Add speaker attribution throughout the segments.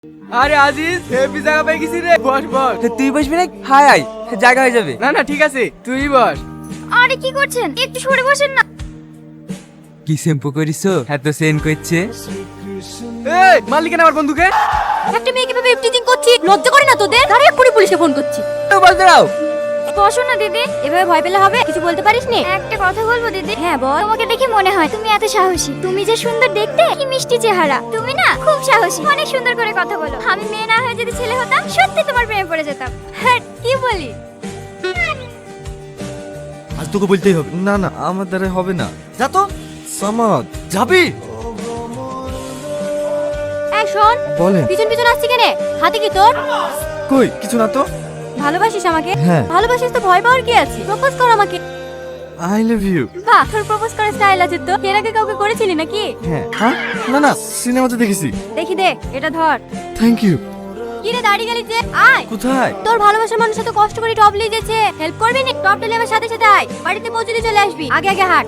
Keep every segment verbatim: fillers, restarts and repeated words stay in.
Speaker 1: আরে আজিজ হেভি জায়গা পেয়ে গেছি রে, বস বস।
Speaker 2: তুই বসবি না? হাই হাই জায়গা হয়ে যাবে।
Speaker 1: না না ঠিক আছে, তুই বস।
Speaker 3: আরে কি করছেন, একটু সরে বসেন না।
Speaker 2: কি শ্যাম্পু করিছো এত সেন করছে?
Speaker 1: এই মালিক আমার বন্ধুকে
Speaker 3: একটা মেয়েকে ভেবে ইফটিজিং করছি, লজ্জা করে না তোদের? আরে এক্ষুনি পুলিশে ফোন করছি।
Speaker 2: তো বল দাও।
Speaker 3: বসো না দিদি, এভাবে ভয় পেলে হবে? কিছু বলতে পারিস নি? একটা কথা বলবো দিদি? হ্যাঁ বল। তোমাকে দেখে মনে হয় তুমি এত সাহসী, তুমি যে সুন্দর দেখতে, কি মিষ্টি চেহারা, তুমি না খুব সাহসী, অনেক সুন্দর করে কথা বলো। আমি মেয়ে না হয়ে যদি ছেলে হতাম, সত্যি তোমার প্রেমে পড়ে যেতাম। হ্যাঁ কি বলি?
Speaker 4: আজ তোকে বলতেই হবে। না না আমার দ্বারা হবে না। যা তো সামাদ যাবি।
Speaker 3: এই শোন,
Speaker 4: বলেন।
Speaker 3: পিছন পিছন আসছি কেন? হাতে কি তোর?
Speaker 4: কই কিছু না তো।
Speaker 3: ভালোবাসিস আমাকে?
Speaker 4: হ্যাঁ।
Speaker 3: ভালোবাসিস তো ভয় পাওয়ার কি আছে? প্রপোজ কর আমাকে।
Speaker 4: I love you.
Speaker 3: বাহ, তোর প্রপোজ করার স্টাইল আছে তো। এর আগে কাউকে করেছিলি নাকি?
Speaker 4: হ্যাঁ হ্যাঁ না না সিনেমাতে দেখেছি।
Speaker 3: দেখি দে, এটা ধর।
Speaker 4: Thank you.
Speaker 3: কি রে দাঁড়িয়ে গেলি যে? আয়।
Speaker 4: কোথায়?
Speaker 3: তোর ভালোবাসার মানুষ এত কষ্ট করে টপ নিয়ে যাচ্ছে, হেল্প করবি না? টপ নিয়ে আমার সাথে সাথে আয়, বাড়িতে পৌঁছে দিয়ে চলে আসবি। আগে আগে হাঁট।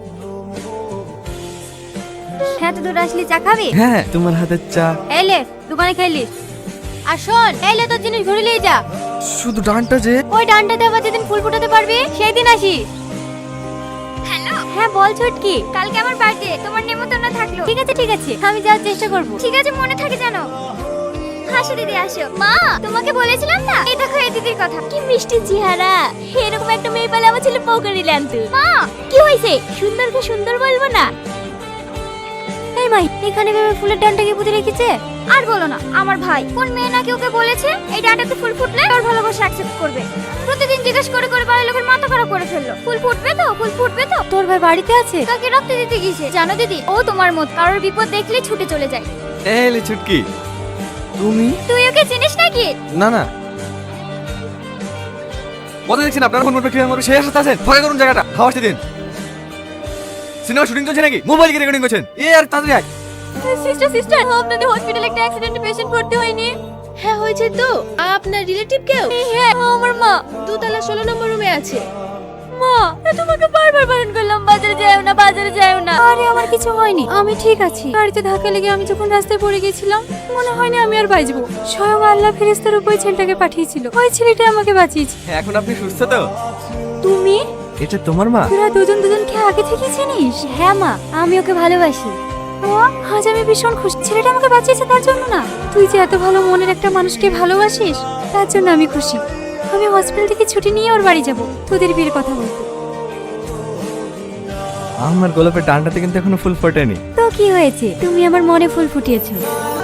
Speaker 3: হ্যাঁ তো দূর আসলি, চা খাবি?
Speaker 4: হ্যাঁ তোমার হাতের চা।
Speaker 3: এলে দোকানে খাইলিস। আর শোন, এলে তোর জিনিস ঘুরে নিয়ে যা।
Speaker 4: শুধু ডানটা যে।
Speaker 3: ওই ডানটাতে আবার যেদিন ফুল ফোটাতে পারবি সেই দিন আসিস। হ্যালো, হ্যাঁ বল ছুটকি। কালকে আমার বার্থডে, তোমার নেমন্তন্ন থাকলো। ঠিক আছে ঠিক আছে, আমি যাওয়ার চেষ্টা করব। ঠিক আছে, মনে থাকে জানো। হাসো দিদি আসো। মা, তোমাকে বলেছিলাম না, এই দেখো এই দিদির কথা, কি মিষ্টি চেহারা। এরকম একটা মেয়ে পেলে আমার ছেলে পকড়ি ল্যান্তে। মা কি হয়েছে? সুন্দরকে সুন্দর বলবো না? এই মাই, এখানে ভেবে ফুলের ডানটাকে পুঁতে রেখেছে। আর বলো না, আমার ভাই কোন মেয়ে নাকি ওকে বলেছে এই ডাঁটাতে ফুল ফুটলে ওর ভালোবাসা অ্যাকসেপ্ট করবে। প্রতিদিন জিজ্ঞেস করে করে বাড়ির লোকের মাথা খারাপ করে ফেললো। ফুল ফুটবে তো, ফুল ফুটবে তো। তোর ভাই বাড়িতে আছে, তাকে রক্ত দিতে গিয়েছে। জানো দিদি, ও তোমার মত কারোর বিপদ দেখলে ছুটে চলে যায়।
Speaker 4: এলে ছুটকি তুমি।
Speaker 3: তুই ওকে চিনিস নাকি?
Speaker 4: না না কথা দেখছেন আপনারা ফোন করবে ক্লিয়ার মারবে সেই আশাতে আছেন। ফাঁকা করুন জায়গাটা, খাওয়া আসতে দিন। সিনেমা শুটিং চলছে নাকি? মোবাইল কি রেকর্ডিং করছেন? এ আর তাড়াতাড়ি আয়।
Speaker 3: সিস্টার সিস্টার, আপনাদের হসপিটালে একটা অ্যাক্সিডেন্টে পেশেন্ট ভর্তি হয়নি?
Speaker 5: হ্যাঁ হয়েছে তো। আপনার রিলেটিভ কেউ?
Speaker 3: হ্যাঁ, আমার মা।
Speaker 5: দোতলা ষোলো নম্বর রুমে আছে।
Speaker 3: মা, তোমাকে বারবার বারণ করলাম বাজারে যাও না, বাজারে যাও না। আরে আমার কিছু হয়নি, আমি ঠিক আছি। গাড়িতে ধাক্কা লেগে আমি যখন রাস্তায় পড়ে গেছিলাম, মনে হয়নি আমি আর বাঁচবো। স্বয়ং আল্লাহ ফেরেশতার উপর ছেলেটাকে পাঠিয়েছিল, ওই ছেলেটা আমাকে বাঁচিয়েছে।
Speaker 4: এখন আপনি সুস্থ তো?
Speaker 3: তুমি?
Speaker 4: এটা তোমার মা?
Speaker 3: তোরা দুজন দুজনকে আগে থেকে চিনিস? হ্যাঁ মা, আমি ওকে ভালোবাসি। মা, আজ আমি ভীষণ খুশি। ছেলেটা আমাকে বাঁচিয়েছে তার জন্য না, তুই যে এত ভালো মনের একটা মানুষকে ভালোবাসিস তার জন্য আমি খুশি। আমি হসপিটাল থেকে ছুটি নিয়ে ওর বাড়ি যাব তোদের বিয়ের কথা বলতে।
Speaker 4: আমার গোলাপের ডানটাতে কিন্তু এখনো ফুল ফোটেনি।
Speaker 3: তো কি হয়েছে, তুমি আমার মনে ফুল ফুটিয়েছো।